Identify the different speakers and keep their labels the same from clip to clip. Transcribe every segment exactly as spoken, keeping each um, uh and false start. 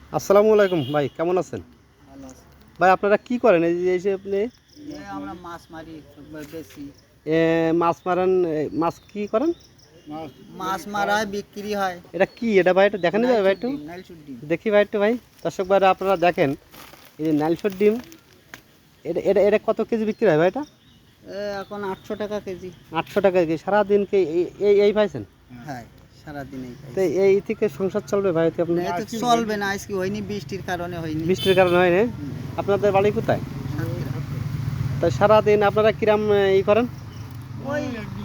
Speaker 1: আসসালামু আলাইকুম ভাই, কেমন আছেন?
Speaker 2: ভালো আছে।
Speaker 1: ভাই আপনারা কি করেন এই যে এই যে আপনি
Speaker 2: এই আমরা মাছ মারি বেশি
Speaker 1: এ, মাছ মারেন? এ, মাছ কি করেন?
Speaker 2: মাছ মারা হয়, বিক্রি হয়।
Speaker 1: এটা কি এটা ভাই, একটু দেখানো যাবে ভাই একটু?
Speaker 2: নাইলশুট ডিম।
Speaker 1: দেখি ভাই একটু ভাই, দর্শক ভাইরা আপনারা দেখেন এই যে নাইলশোর ডিম। এটা এটা এটা কত কেজি বিক্রি হয় ভাই? এটা
Speaker 2: এ এখন আটশো টাকা কেজি।
Speaker 1: আটশো টাকা কেজি। সারাদিন কি এই- এই এই পাইছেন?
Speaker 2: হ্যাঁ, সারাদিনই
Speaker 1: তো এই থেকে সংসার চলবে ভাই? তো আপনার
Speaker 2: তো চলবে না, আজকে হয়নি, বৃষ্টির কারণে হয়নি।
Speaker 1: বৃষ্টির কারণে হয় না?
Speaker 2: হুম।
Speaker 1: আপনাদের বাড়ি কোথায়?
Speaker 2: সাতক্ষীরা।
Speaker 1: তাই সারাদিন আপনারা কিরাম ই করেন?
Speaker 2: ওই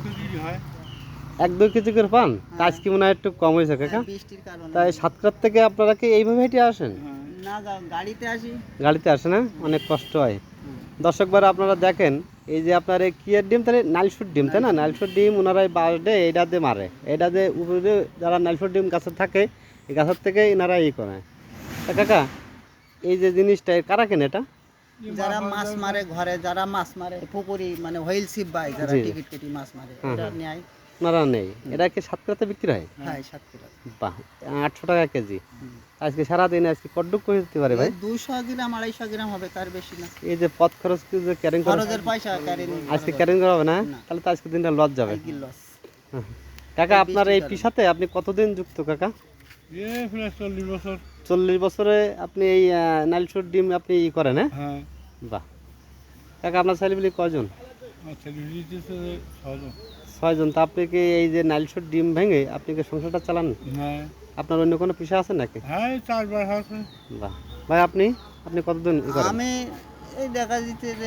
Speaker 1: এক দুই কেজি করে পান? তা
Speaker 2: হ্যাঁ।
Speaker 1: আজকে মনে হয় একটু কম হয়েছে কাকা।
Speaker 2: হ্যাঁ, বৃষ্টির কারণে।
Speaker 1: তাই সাতক্ষীরার থেকে আপনারা কি এইভাবে হেঁটে আসেন?
Speaker 2: না, গা- গাড়িতে আসি।
Speaker 1: গাড়িতে আসে না? অনেক কষ্ট হয়।
Speaker 2: হুম।
Speaker 1: দর্শক ভাইরা আপনারা দেখেন এই যে আপনার এই কিয়ের ডিম, তাহলে নাইলশুট ডিম তাই না? নাইলশুট ডিম ওনারা এই বাঁশ দিয়ে এইটা দিয়ে মারে, এইটা দিয়ে উপরে যারা নাইলশুট ডিম গাছে থাকে এই গাছের থেকে এনারা ই করে। তা কাকা এই যে জিনিসটা কারা কেনে এটা?
Speaker 2: যারা মাছ মারে ঘরে, যারা মাছ মারে পুকুরি, মানে হুইল সিপ বাই, যারা
Speaker 1: জি।
Speaker 2: টিকিট কেটে মাছ মারে,
Speaker 1: হুম,
Speaker 2: এটা
Speaker 1: হুম।
Speaker 2: নেয়।
Speaker 1: ওনারা নেই, এটা কি সাতক্ষীরাতে বিক্রি হয়?
Speaker 2: হ্যাঁ, সাতক্ষীরা।
Speaker 1: বাহ, আটশো টাকা কেজি।
Speaker 2: হুম।
Speaker 1: আজকে সারাদিন আজকে কড্ডুক করে দিতে পারে ভাই?
Speaker 2: দুশো গ্রাম আড়াইশো গ্রাম হবে, তার বেশি না।
Speaker 1: এই যে পথ খরচ কি যে ক্যারিং করে
Speaker 2: খরচের পয়সা ক্যারি
Speaker 1: আজকে ক্যারিং করা হবে না?
Speaker 2: না।
Speaker 1: তাহলে তো আজকে দিনটা লস যাবে।
Speaker 2: লস।
Speaker 1: হুম। কাকা
Speaker 2: এই
Speaker 1: আপনার এই
Speaker 2: বৃষ্টির
Speaker 1: পেশাতে আপনি কতদিন যুক্ত কাকা?
Speaker 3: এ প্রায় চল্লিশ বছর।
Speaker 1: চল্লিশ বছরে আপনি এই নাইলশুট ডিম আপনি ই করেন? হ্যাঁ,
Speaker 3: হ্যাঁ,
Speaker 1: বাহ। কাকা আপনার ছেলেপিলি কয়জন?
Speaker 3: আমার ছেলে দিতেছে ছজন।
Speaker 1: ছয়জন। তা আপনি কি এই যে নাইলশুট ডিম ভেঙে আপনি কি সংসারটা চালান?
Speaker 3: হ্যাঁ,
Speaker 1: আপনার অন্য কোনো পেশা আছে নাকি?
Speaker 3: হ্যাঁ, চারবার আছে।
Speaker 1: বাহ। ভাই আপনি আপনি কতদিন ই করেন?
Speaker 2: আমি এই দেখা দিতে যে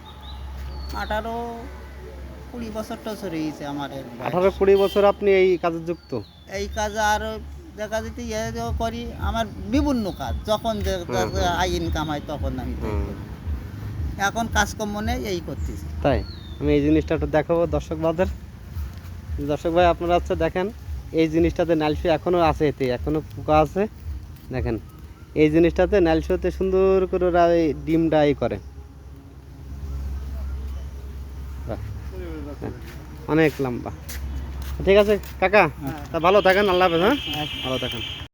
Speaker 2: আঠারো কুড়ি বছর টছর হয়েছে আমার এর বয়স।
Speaker 1: আঠারো কুড়ি বছর আপনি এই কাজে যুক্ত?
Speaker 2: এই কাজ আর দেখা দিতে ইয়ে যে করি, আমার বিভিন্ন কাজ যখন যে
Speaker 1: হুম, হুম।
Speaker 2: আই ইনকাম হয় তখন আমি তাই
Speaker 1: হুম।
Speaker 2: করি। এখন কাজকর্ম নেই, এই করতেছি।
Speaker 1: তাই আমি এই জিনিসটা একটু দেখাবো দর্শক ভাইদের। দর্শক ভাই আপনারা হচ্ছে দেখেন এই জিনিসটাতে নাইলশো এখনও আছে, এতে এখনও পোকা আছে। দেখেন এই জিনিসটাতে নাইলশোতে সুন্দর করে ওরা এই ডিমটা ই করে। বাহ, হ্যাঁ, অনেক লম্বা। ঠিক আছে কাকা, তা ভালো থাকেন, আল্লাহ হাফেজ। হ্যাঁ, ভালো থাকেন।